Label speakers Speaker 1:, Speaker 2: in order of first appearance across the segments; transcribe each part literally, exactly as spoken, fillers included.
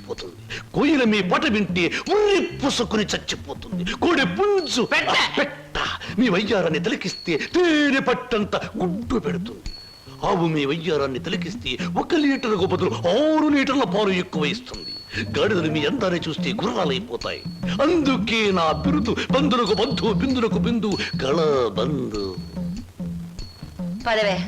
Speaker 1: చచ్చిపోతుంది. కోయిల మీ పాట వింటే ఉర్రి పుసుకుని చచ్చిపోతుంది. కోడి పుంజు పెట్ట మీ వయ్యారాన్ని తిలకిస్తే తేనె పట్టంత గుడ్డు పెడుతుంది. ఆవు మీ వయ్యారాన్ని తిలకిస్తే ఒక లీటర్కు బదులు ఆరు లీటర్ల పాలు ఎక్కువ ఇస్తుంది. గాడిదలు మీ అందాన్ని చూస్తే గుర్రాలైపోతాయి. అందుకే నా బిరుదు బంధులకు బంధు బిందులకు బిందు గళ బంధు.
Speaker 2: పదవే.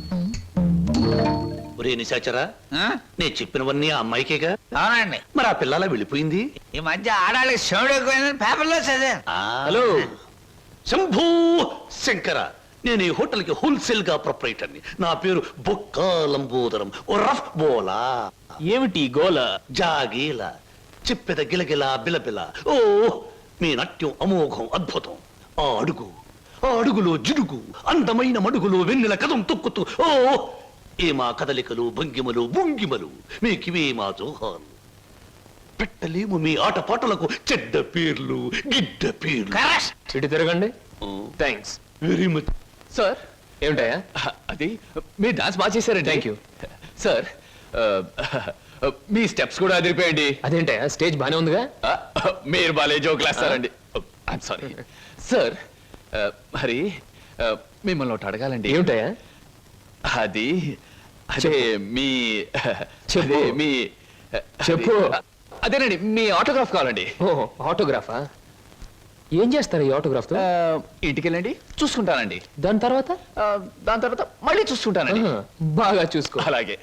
Speaker 1: ఒరే నిశాచరా, నేను చెప్పినవన్నీ ఆ అమ్మాయికేగా?
Speaker 3: అవునండి.
Speaker 1: మరి ఆ పిల్లలా వెళ్ళిపోయింది.
Speaker 3: ఈ మధ్య ఆడాళ్ళకి శివుడు ఎక్కువైందని పేపర్లో చదివాను.
Speaker 1: హలో శంభూ శంకర, నేను ఈ హోటల్ కి హోల్సేల్ గా ప్రొపరేటర్ని. నా పేరు బొక్కా లంబోదరం ఓ రఫ్ బోలా.
Speaker 4: ఏమిటి గోల?
Speaker 1: జాగీల చెప్పెద గిలగిల బిలబిల. ఓ మీ నాట్యం అమోఘం అద్భుతం. ఆ అడుగు ఆ అడుగులో జిడుగు అందమైన మడుగులో వెన్నెల కథం తొక్కుతూ ఓ ఏ మా కదలికలు భంగిమలు భుంగిమలు మీకివే మా జోహాలు. పెట్టలేము మీ ఆటపాటలకు చెడ్డ పేర్లు గిడ్డ పేర్లు.
Speaker 4: ఇటు తిరగండి. Thanks
Speaker 1: very much
Speaker 4: sir. ఏమిటయా అది? మీరు డాన్స్ బాగా చేశారండి. Thank you sir. మీ స్టెప్స్ కూడా అదిరిపోయండి. అదేంటయా స్టేజ్ బానే ఉందిగా? మీరు బాలే జోకులు వేస్తారండి. I'm sorry sir. మరి మిమ్మల్ని ఒకటి అడగాలండి. ఏమిటయా అది? అదే మీ అదే మీ చెప్పు. అదేనండి మీ ఆటోగ్రాఫ్ కావాలండి. ఓ ఆటోగ్రాఫా? ఏం చేస్తారు ఈ ఆటోగ్రాఫ్ తో? ఇంటికి వెళ్ళండి చూసుకుంటానండి. దాని తర్వాత దాని తర్వాత మళ్ళీ చూసుకుంటానండి. బాగా చూసుకో. అలాగే.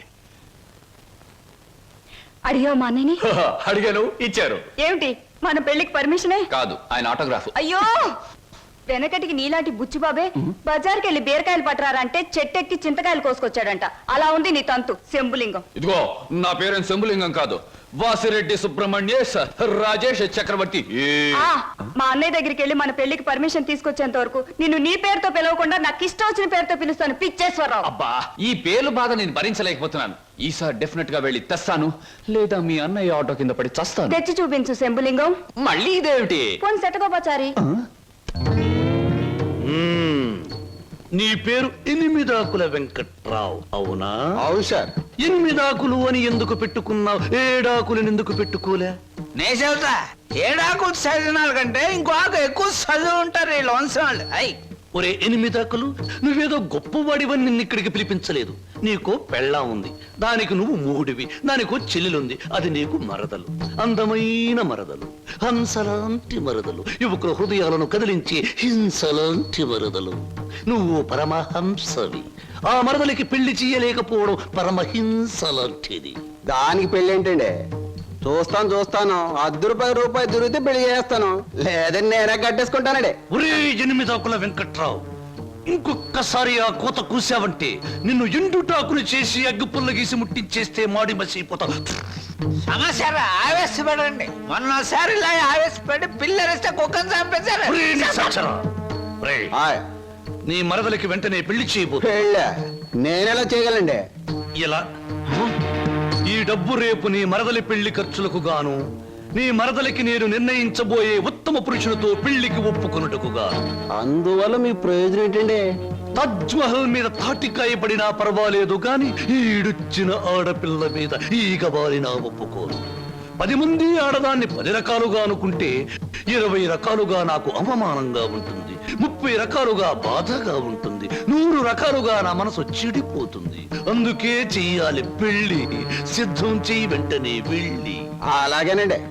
Speaker 2: అడిగా మా అన్నయ్యని?
Speaker 4: అడిగాను, ఇచ్చారు.
Speaker 2: ఏమిటి మన పెళ్లికి పర్మిషనే?
Speaker 4: కాదు, ఆయన ఆటోగ్రాఫ్.
Speaker 2: అయ్యో, వెనకటికి నీలాంటి బుచ్చిబాబే బజార్కి వెళ్ళి బీరకాయలు పట్టరారంటే చెట్టెక్కి చింతకాయలు కోసుకొచ్చాడంట. అలా ఉంది నీ తంతు శంభులింగం.
Speaker 4: ఇదిగో నా పేరు శంభులింగం కాదు, వాసిరెడ్డి సుబ్రహ్మణ్యేశ్ రాజేష్ చక్రవర్తి.
Speaker 2: మా అన్నయ్య దగ్గరికి వెళ్ళి మన పెళ్లికి పర్మిషన్ తీసుకొచ్చేంత వరకు నిన్ను నీ పేరుతో పిలవకుండా నాకు ఇష్టం వచ్చిన పేరుతో పిలుస్తాను పిచ్చేశ్వరరావు.
Speaker 4: అబ్బా, ఈ పేర్లు బాధ నేను భరించలేకపోతున్నాను. ఈసారి డెఫినెట్ గా వెళ్ళి తెస్తాను, లేదా మీ అన్నయ్య ఆటో కింద పడి చస్తాను.
Speaker 2: తెచ్చి చూపించు శంభులింగం.
Speaker 4: మళ్ళీ ఇదేమిటి?
Speaker 2: పోనీ సెటకోపచారి.
Speaker 1: నీ పేరు ఎనిమిదాకుల వెంకట్రావు అవునా?
Speaker 5: అవును సార్.
Speaker 1: ఎనిమిదాకులు అని ఎందుకు పెట్టుకున్నావు? ఏడాకులను ఎందుకు పెట్టుకోలే?
Speaker 3: నే చెబుతా, ఏడాకులు చదివిన కంటే ఇంకో ఆకు ఎక్కువ చదువు ఉంటారు ఈ లోన్సం వాళ్ళు. అయ్
Speaker 1: ఒరే ఎనిమిదాకులు, నువ్వేదో గొప్పవాడివని నిన్ను ఇక్కడికి పిలిపించలేదు. నీకో పెళ్ళా ఉంది, దానికి నువ్వు మూడివి. దానికో చెల్లెలుంది, అది నీకు మరదలు. అందమైన మరదలు, హంసలాంటి మరదలు, యువకుల హృదయాలను కదిలించి హింసలాంటి మరదలు. నువ్వు పరమహంసవి. ఆ మరదలికి పెళ్లి చేయలేకపోవడం పరమహింసలాంటిది.
Speaker 5: దానికి పెళ్లి ఏంటండి? చూస్తాను చూస్తాను అర్ధ రూపాయి రూపాయి దొరికితే పెళ్లి చేస్తాను, లేదని నేనే కట్టేసుకుంటానండి.
Speaker 1: ఒరే ఎనిమిదాకుల వెంకట్రావు, ఇంకొక్కసారి ఆ కోత కూసావంటే నిన్ను ఎండుటాకులు చేసి అగ్గిపుల్ల గీసి ముట్టించేస్తే మాడి మసిపోతావు.
Speaker 3: సమస్య ఆవేశపడండి. మొన్నసారి ఇలా ఆవేశపడి పిల్లరిస్తే కుక్కను చంపేశారు.
Speaker 1: ఒరే నిశాచరా, ఒరే,
Speaker 5: ఆయ్,
Speaker 1: నీ మరదలికి వెంటనే పెళ్లి చేయబోతు.
Speaker 5: పెళ్ళా? నేనెలా చేయగలండి?
Speaker 1: ఇలా ఈ డబ్బు రేపు నీ మరదలి పెళ్లి ఖర్చులకు గాను, నీ మరదలికి నేను నిర్ణయించబోయే ఉత్తమ పురుషులతో పెళ్లికి ఒప్పుకొనుటకు గాను.
Speaker 5: అందువల్ల మీ ప్రయోజనం ఏంటండి?
Speaker 1: తాజ్ మహల్ మీద తాటికాయ పడినా పర్వాలేదు గాని ఈడుచ్చిన ఆడపిల్ల మీద ఈగ బారినా ఒప్పుకోను. పది మంది ఆడదాన్ని పది రకాలుగా అనుకుంటే ఇరవై రకాలుగా నాకు అవమానంగా ఉంటుంది, ముప్పై రకాలుగా బాధగా ఉంటుంది, నూరు రకాలుగా నా మనసు చెడిపోతుంది. అందుకే చెయ్యాలి పెళ్లి. సిద్ధం చెయ్యి వెంటనే వెళ్ళి.
Speaker 5: అలాగేనండి.